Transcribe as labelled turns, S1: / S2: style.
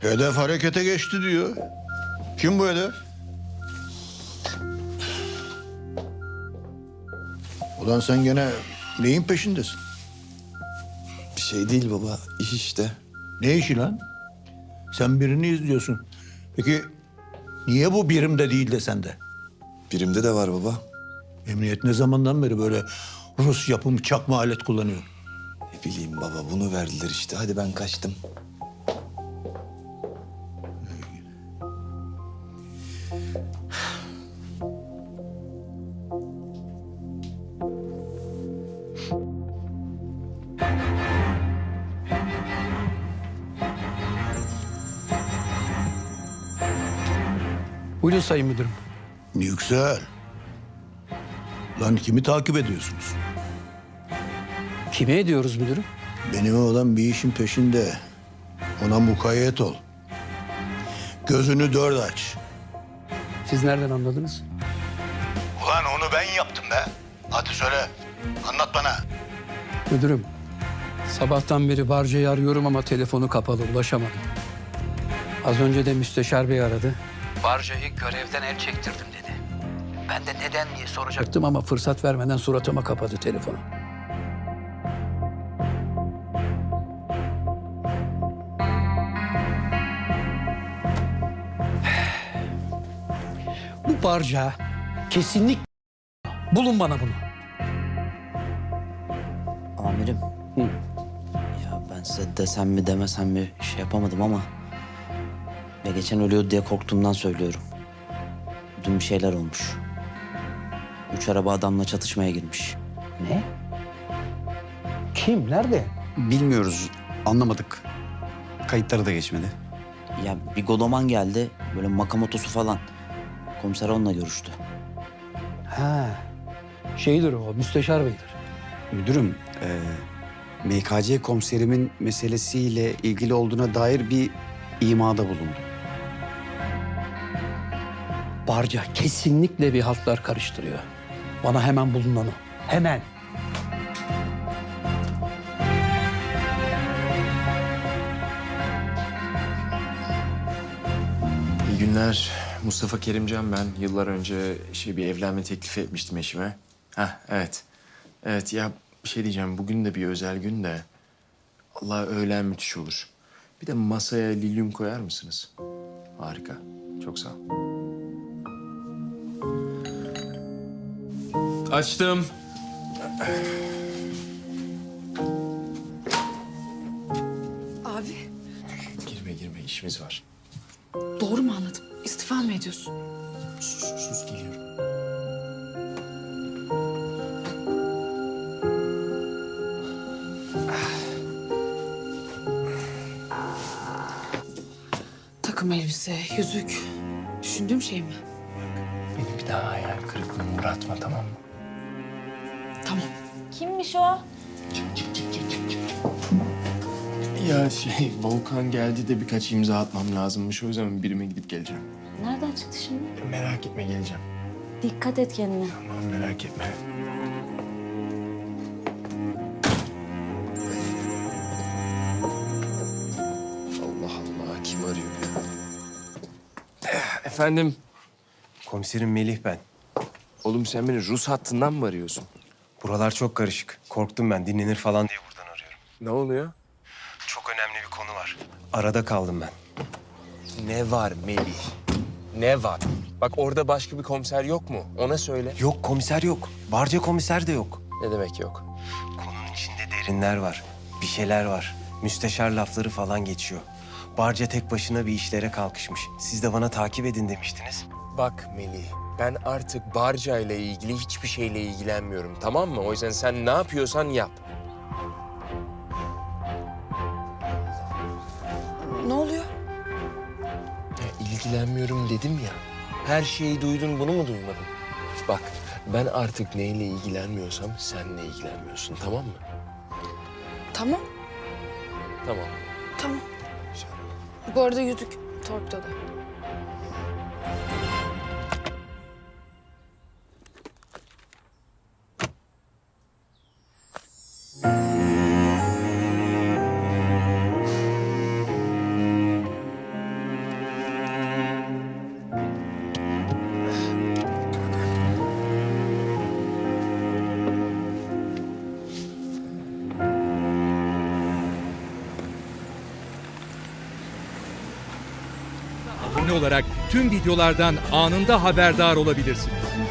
S1: Hedef harekete geçti diyor. Kim bu hedef? Ulan sen gene neyin peşindesin?
S2: Bir şey değil baba, iş işte.
S1: Ne işi lan? Sen birini izliyorsun. Peki niye bu birimde değil de sende?
S2: Birimde de var baba.
S1: Emniyet ne zamandan beri böyle Rus yapımı çakma alet kullanıyor?
S2: Ne bileyim baba, bunu verdiler işte. Hadi ben kaçtım.
S3: Buyurun Sayın Müdürüm.
S1: Yüksel. Lan kimi takip ediyorsunuz?
S3: Kime ediyoruz müdürüm?
S1: Benim oğlan bir işin peşinde. Ona mukayyet ol. Gözünü dört aç.
S3: Siz nereden anladınız?
S1: Ulan onu ben yaptım be. Hadi söyle. Anlat bana.
S3: Müdürüm, sabahtan beri Barca'yı arıyorum ama telefonu kapalı, ulaşamadım. Az önce de müsteşar bey aradı. Barca'yı görevden el çektirdim dedi. Ben de neden diye soracaktım ama fırsat vermeden suratıma kapadı telefonu. Bu Barca kesinlikle bulun bana bunu.
S4: Amirim.
S3: Hı.
S4: Ya ben size desem mi demesem mi şey yapamadım ama... Ya geçen ölüyordu diye korktuğumdan söylüyorum. Dün bir şeyler olmuş. 3 araba adamla çatışmaya girmiş.
S3: Ne? Kim? Nerede?
S5: Bilmiyoruz, anlamadık. Kayıtları da geçmedi.
S4: Ya bir Godoman geldi, böyle makamotosu falan. Komiser onunla görüştü.
S3: Ha. Şeydir o, müsteşar beydir.
S5: Müdürüm, MKC komiserimin meselesiyle ilgili olduğuna dair bir imada bulundu.
S3: Barca kesinlikle bir haltlar karıştırıyor. Bana hemen bulun onu. Hemen.
S6: İyi günler. Mustafa Kerimcan ben. Yıllar önce bir evlenme teklifi etmiştim eşime. Hah, evet. Evet ya, bir şey diyeceğim. Bugün de bir özel gün de. Allah, öğlen müthiş olur. Bir de masaya lilyum koyar mısınız? Harika. Çok sağ ol. Açtım.
S7: Abi,
S6: Girme, işimiz var.
S7: doğru mu anladım? İstifa mı ediyorsun?
S6: Sus, geliyorum.
S7: Takım elbise, yüzük. Düşündüğüm şey mi?
S6: Beni bir daha hayal kırıklığına uğratma, tamam mı?
S7: Tamam.
S8: Kimmiş o?
S6: Ya Volkan geldi de birkaç imza atmam lazımmış. O yüzden birime gidip geleceğim.
S8: Nereden çıktı şimdi?
S6: Merak etme, geleceğim.
S8: Dikkat et kendine.
S6: Tamam, merak etme. Allah Allah, kim arıyor ya? Efendim?
S9: Komiserim Melih ben.
S6: Oğlum sen beni Rus hattından mı arıyorsun?
S9: Buralar çok karışık. Korktum ben. Dinlenir falan diye buradan arıyorum.
S6: Ne oluyor?
S9: Çok önemli bir konu var. Arada kaldım ben.
S6: Ne var Melih? Ne var? Bak orada başka bir komiser yok mu? Ona söyle.
S9: Yok komiser yok. Barca komiser de yok.
S6: Ne demek yok?
S9: Konunun içinde derinler var. Bir şeyler var. Müsteşar lafları falan geçiyor. Barca tek başına bir işlere kalkışmış. Siz de bana takip edin demiştiniz.
S6: Bak Melih, ben artık Barca ile ilgili hiçbir şeyle ilgilenmiyorum, tamam mı? O yüzden sen ne yapıyorsan yap.
S7: Ne oluyor?
S6: Ya, ilgilenmiyorum dedim ya. Her şeyi duydun, bunu mu duymadın? Bak, ben artık neyle ilgilenmiyorsam senle ilgilenmiyorsun, tamam mı?
S7: Tamam,
S6: Tamam.
S7: tamam. Bu arada yüzük torpidoda.
S10: abone olarak tüm videolardan anında haberdar olabilirsiniz.